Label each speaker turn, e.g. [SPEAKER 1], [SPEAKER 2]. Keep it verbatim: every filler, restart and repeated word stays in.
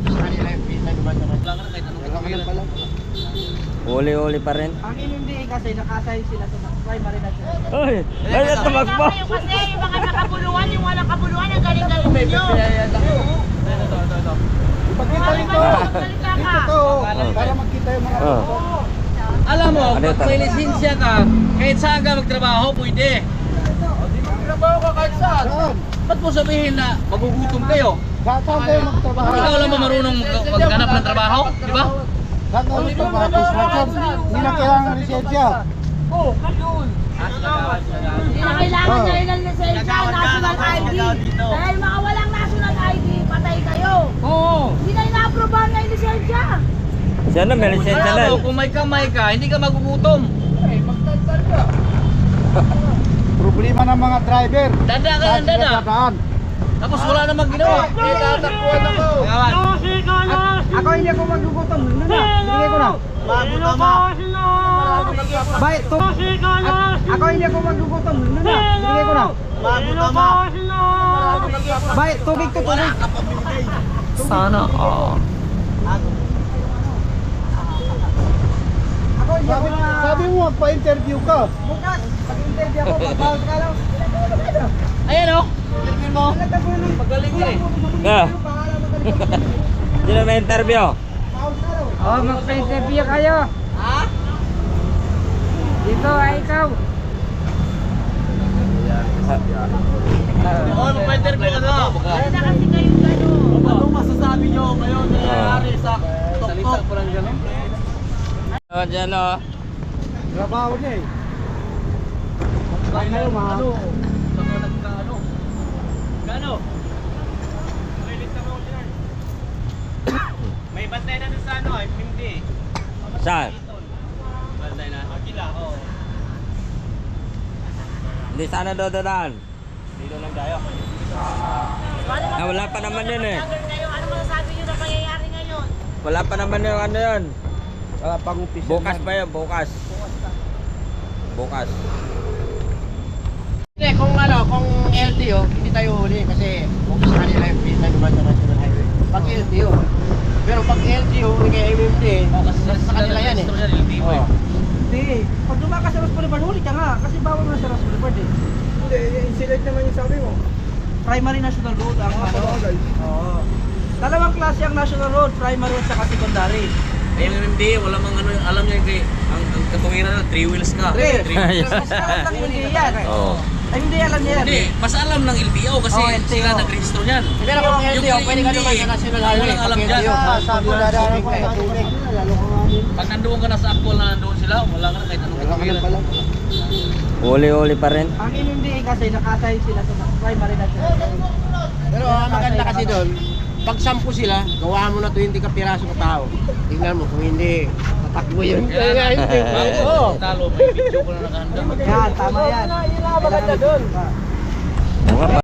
[SPEAKER 1] Sa kanila yung pita, di ba? Wala ka na kahit anong kapilan pala.
[SPEAKER 2] Uli-uli pa rin.
[SPEAKER 3] Ang M M D A kasi nakasign sila sa primary national.
[SPEAKER 2] Uy! Ay, ito magpo!
[SPEAKER 4] Kayo kasi yung mga nakabuluhan, yung walang kabuluhan, ang galing-galing ninyo.
[SPEAKER 1] Pagkita rito! Dito to! Para makita yung mga
[SPEAKER 2] Oh.
[SPEAKER 5] Alam mo,
[SPEAKER 2] Ano
[SPEAKER 5] pag
[SPEAKER 2] ito?
[SPEAKER 5] may lisensya ka, kahit saan ka magtrabaho, pwede.
[SPEAKER 1] trabaho ka kahit saan. Saan?
[SPEAKER 5] Ba't mo sabihin na magugutom kayo?
[SPEAKER 1] Saan kayo magtrabaho?
[SPEAKER 5] Ikaw lang ba marunong mag- maghanap ng trabaho? Di ba?
[SPEAKER 1] Saan kayo magtrabaho? Construction. Hindi na kailangan ng lisensya.
[SPEAKER 4] Oo, kayon. Hindi na kailangan
[SPEAKER 1] Oh.
[SPEAKER 4] na rin ng lisensya, national I D. Dahil mga walang national I D, patay kayo.
[SPEAKER 5] Oo.
[SPEAKER 4] Hindi na ina-aprobahan na yung lisensya.
[SPEAKER 2] Siya na, may lisensya na.
[SPEAKER 5] Alam mo, kung may kamay ka, hindi ka magugutom.
[SPEAKER 1] Problema ng mga driver.
[SPEAKER 5] Dada ka
[SPEAKER 1] Saan
[SPEAKER 5] ng
[SPEAKER 1] sila
[SPEAKER 5] dada.
[SPEAKER 1] dadaan?
[SPEAKER 5] Tapos wala namang ginawa.
[SPEAKER 1] Eh, tatakbuhan ako.
[SPEAKER 5] Kawan.
[SPEAKER 3] Ako hindi ako magugutom. Ano na? Bigay ko na.
[SPEAKER 1] Bago tama.
[SPEAKER 3] Bay, to. A- ako hindi ako magugutom. Ano na? Bigay ko na.
[SPEAKER 1] Bago tama.
[SPEAKER 3] Bay, tubig to tubig.
[SPEAKER 2] Sana, oh.
[SPEAKER 3] Ako hindi ako
[SPEAKER 1] Sabi,
[SPEAKER 3] na.
[SPEAKER 1] sabi mo, magpa-interview ka.
[SPEAKER 3] Bukas, pag-interview ako, pag-bawal ka lang.
[SPEAKER 5] Ayan o. Interview mo. Magaling ka eh.
[SPEAKER 2] Ah. Sino may interview?
[SPEAKER 3] Oh, magpa-interview kayo.
[SPEAKER 5] Ha?
[SPEAKER 3] Dito ay ikaw.
[SPEAKER 5] Oo, magpa-interview ka na.
[SPEAKER 4] Hindi na kasi kayong gano'n.
[SPEAKER 5] Anong masasabi nyo ngayon na nangyayari sa Salita ko lang gano'n?
[SPEAKER 2] Oh, dyan, oh.
[SPEAKER 1] Trabaho niya eh.
[SPEAKER 5] Ay, kayo mga ano? Saka nagka-ano? Gano? May bantay na doon sa ano, ay hindi.
[SPEAKER 2] Saan?
[SPEAKER 5] Bantay na? Kila, oo.
[SPEAKER 2] Hindi sana dododaan.
[SPEAKER 5] Dito lang tayo.
[SPEAKER 2] Ah, wala pa naman yun eh.
[SPEAKER 4] Vlogger kayo, ano masasabi nyo na pangyayari ngayon?
[SPEAKER 2] Wala pa naman yung ano yun.
[SPEAKER 1] Wala pang umpisa.
[SPEAKER 2] Bukas pa yun, bukas. Bukas.
[SPEAKER 1] Hindi, kung ano, kung L T O, hindi tayo huli kasi focus sa kanila yung pita, di ba, sa National Highway. Pag L T O. Pero pag L T O, kay M M D A, sa, sa kanila yan eh. Oh.
[SPEAKER 3] Hindi. Pag dumakas sa Ross Boulevard, huli ka nga. Kasi bawal mo na sa Ross Boulevard eh.
[SPEAKER 1] Hindi, incident naman yung sabi mo.
[SPEAKER 3] Primary National Road ang ano. Oo. Dalawang klase ang National Road, primary at saka secondary.
[SPEAKER 5] Ay, yung M M D, wala mang ano, alam niya kay ang, ang katuwiran na three wheels ka.
[SPEAKER 3] Three.
[SPEAKER 5] Three.
[SPEAKER 3] Mas alam lang hindi yan.
[SPEAKER 2] Oo.
[SPEAKER 3] Ay, hindi alam niya yan.
[SPEAKER 5] Hindi, mas alam ng L T O kasi
[SPEAKER 3] Oh, L T O.
[SPEAKER 5] sila nag-register niyan.
[SPEAKER 1] Pero kung L T O,
[SPEAKER 5] Yung
[SPEAKER 1] pwede ka
[SPEAKER 5] hindi,
[SPEAKER 1] naman sa National Highway.
[SPEAKER 5] walang alam
[SPEAKER 1] Pag
[SPEAKER 5] dyan.
[SPEAKER 1] L T O, sabi mo dadaanan ko sa tubig. Lalo ko nga din.
[SPEAKER 5] Pag nandoon ka na sa actual na nandoon sila, wala ka na kahit anong
[SPEAKER 1] Wala ka na
[SPEAKER 5] katuwiran.
[SPEAKER 1] pala.
[SPEAKER 2] Uli-uli pa rin.
[SPEAKER 3] Ang M M D A kasi nakasign sila sa primary national.
[SPEAKER 1] Pero ang maganda kasi doon, pag sampu sila, gawa mo na twenty ka piraso ka tao. Tingnan mo, kung hindi, tatakbo yun. Kaya hindi. Oo.
[SPEAKER 5] Talo, may video ko na nakahanda.
[SPEAKER 3] Yan, tama yan.
[SPEAKER 1] Yan ang maganda doon.
[SPEAKER 2] Oo nga pa.